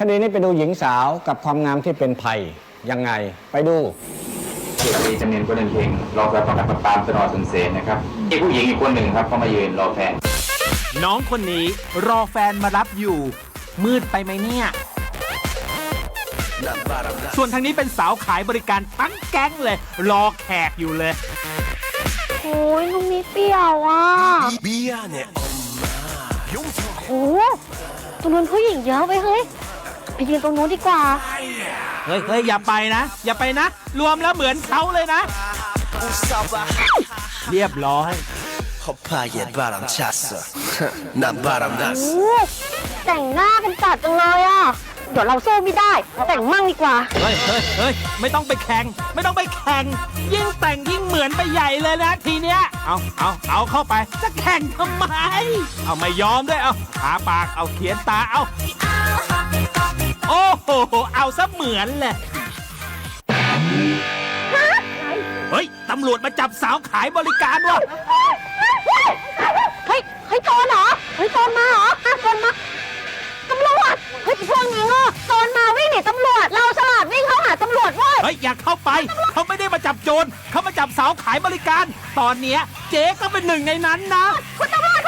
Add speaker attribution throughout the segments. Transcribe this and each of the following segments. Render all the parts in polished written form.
Speaker 1: ดีนี้ไปดูหญิงสาวกับความงามที่เป็นภัยยังไงไปดู
Speaker 2: เอกจำเนียนคนหนึ่งเพลงรอแฟนประกันตามสนอสุนเสนนะครับมีผู้หญิงอีกคนหนึ่งครับเขามายืนรอแฟน
Speaker 3: น้องคนนี้รอแฟนมารับอยู่มืดไปไหมเนี่ยส่วนทางนี้เป็นสาวขายบริการทั้งแก๊งเลยรอแขกอยู่เลย
Speaker 4: โอ้ยตรงนี้เปรี้ยวอ่ะโอ้ตรงนู้นผู้หญิงเยอะไปเฮ้ยไปยืนตรงนู้นดีกว่า
Speaker 3: เฮ้ยอย่าไปนะอย่าไปนะรวมแล้วเหมือนเขาเลยนะเรียบร้อย
Speaker 4: แต่งหน้ากันจัดจังเลยอ่ะเดี๋ยวเราสู้ไม่ได้แต่งมั่งดีกว่า
Speaker 3: เฮ้ยไม่ต้องไปแข่งไม่ต้องไปแข่งยิ่งแต่งยิ่งเหมือนไปใหญ่เลยนะทีเนี้ยเอาเข้าไปจะแข่งทำไมเอาไม่ยอมด้วยเอาทาปากเอาเขียนตาเอาโอ้โหเอาซะเหมือนเลยเฮ้ยตำรวจมาจับสาวขายบริการว่ะ
Speaker 4: เฮ้ยโจรเหรอเฮ้ยโจรมาเหรอโจรมาตำรวจเฮ้ยพวกนี้โง่โจรมาวิ่งหนีตำรวจเราฉลาดวิ่งเข้าหาตำรวจเว้ย
Speaker 3: เฮ้ยอยากเข้าไปเขาไม่ได้มาจับโจรเขามาจับสาวขายบริการตอนเนี้ยเจ๊ก็เป็นหนึ่งในนั้นนะ
Speaker 4: คุณตำรวจ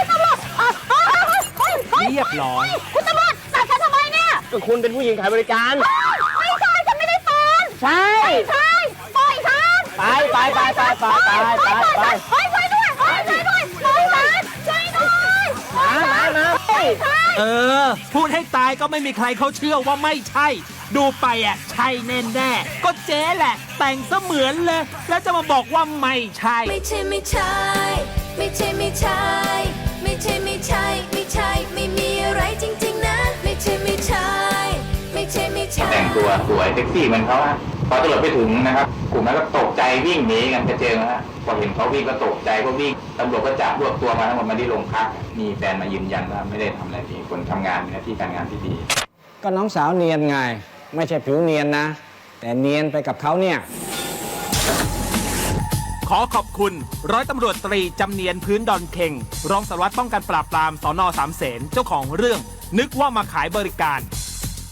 Speaker 3: เรียบร้อย
Speaker 4: คุณตำรวจจับฉันทำไมเนี่ย
Speaker 1: ก็คุณเป็นผู้หญิงขายบริการ
Speaker 4: ไม่ใช่ฉันไม่ได้เป็น
Speaker 1: ใช่
Speaker 4: ปล่อยฉัน
Speaker 1: ไปช่วยด้วยช่วยด้วย
Speaker 3: มาพูดให้ตายก็ไม่มีใครเขาเชื่อว่าไม่ใช่ดูไปอ่ะใช่แน่ก็เจ๊แหละแต่งเสมือนเลยแล้วจะมาบอกว่าไม่ใช่
Speaker 5: ไม่ใช่ไม่มีอะไรจริงๆนะไม่ใช่
Speaker 2: แต่งตัวสวยเซ็กซี่เหมือนเขาฮะพอตำรวจไปถึงนะครับกลุ่มนั้นก็ตกใจวิ่งหนีกันกระเจิงนะฮะพอเห็นเขาวิ่งก็ตกใจก็วิ่งตำรวจก็จับรวบตัวมาทั้งหมดมาที่โรงพักมีแฟนมายืนยันว่าไม่ได้ทำอะไรผิดคนทำงานมีหน้าที่การงานที่ดี
Speaker 1: ก็น้องสาวเนียนไงไม่ใช่ผิวเนียนนะแต่เนียนไปกับเขาเนี่ย
Speaker 3: ขอขอบคุณร้อยตำรวจตรีจำเนียนพื้นดอนเค็งรองสารวัตรป้องกันปราบปรามสน.สามเสนเจ้าของเรื่องนึกว่ามาขายบริการ